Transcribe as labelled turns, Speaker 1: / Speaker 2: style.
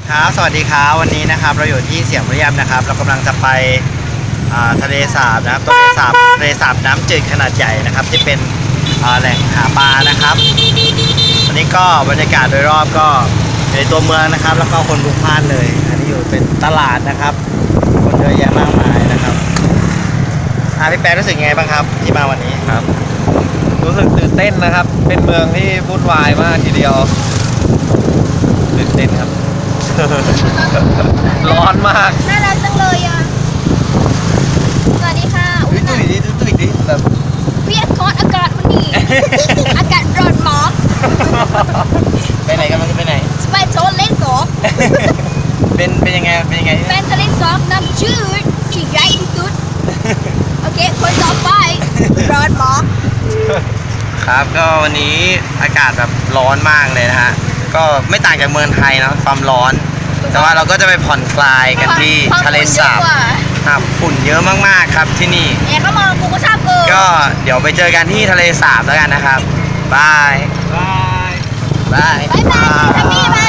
Speaker 1: ครับสวัสดีครับวันนี้นะครับเราอยู่ที่เสียงระยำนะครับเรากำลังจะไปทะเลสาบนะครับทะเลสาบน้ำจืดขนาดใหญ่นะครับที่เป็นแหล่งหาปลานะครับวันนี้ก็บรรยากาศโดยรอบก็ในตัวเมืองนะครับแล้วก็คนพลุกพล่านเลยอันนี้อยู่เป็นตลาดนะครับคนเยอะแยะมากมายนะครับพี่แป๊ะรู้สึกไงบ้างครับที่มาวันนี้
Speaker 2: ครับรู้สึกตื่นเต้นนะครับ เป็นเมืองที่วุ่นวายมากทีเดียวตื่นเต้นครับ ร้อนมาก
Speaker 3: น่ารักจังเลยอ่ะ สวัสดีค่ะ
Speaker 2: ตุ้ยดิแบบ
Speaker 3: เวียดกอดอากาศวันนี้ อากาศร้อนหมอก
Speaker 2: ไปไหนกันมันจะไปไหน
Speaker 3: สไปโซนเล่นสอง
Speaker 2: เป็นยังไงที่
Speaker 3: แฟ
Speaker 2: นั่น
Speaker 3: นทะเลสองน้ำจืดที่ใหญ่ที่สุด โอเค คนต่อไปร้อนหมอก
Speaker 1: ครับก็วันนี้อากาศแบบร้อนมากเลยนะฮะก็ไม่ต่างจากเมืองไทยเนาะความร้อน แต่ว่าเราก็จะไปผ่อนคลายกันที่ทะเลสาบครับฝุ่นเยอะมากๆครับที่นี่
Speaker 3: แอบก็มองกูก็ชอบเกิน
Speaker 1: ก็เดี๋ยวไปเจอกันที่ทะเลสาบแล้วกันนะครับบาย
Speaker 2: บาย
Speaker 1: บาย
Speaker 3: บายบายทัมมี่บาย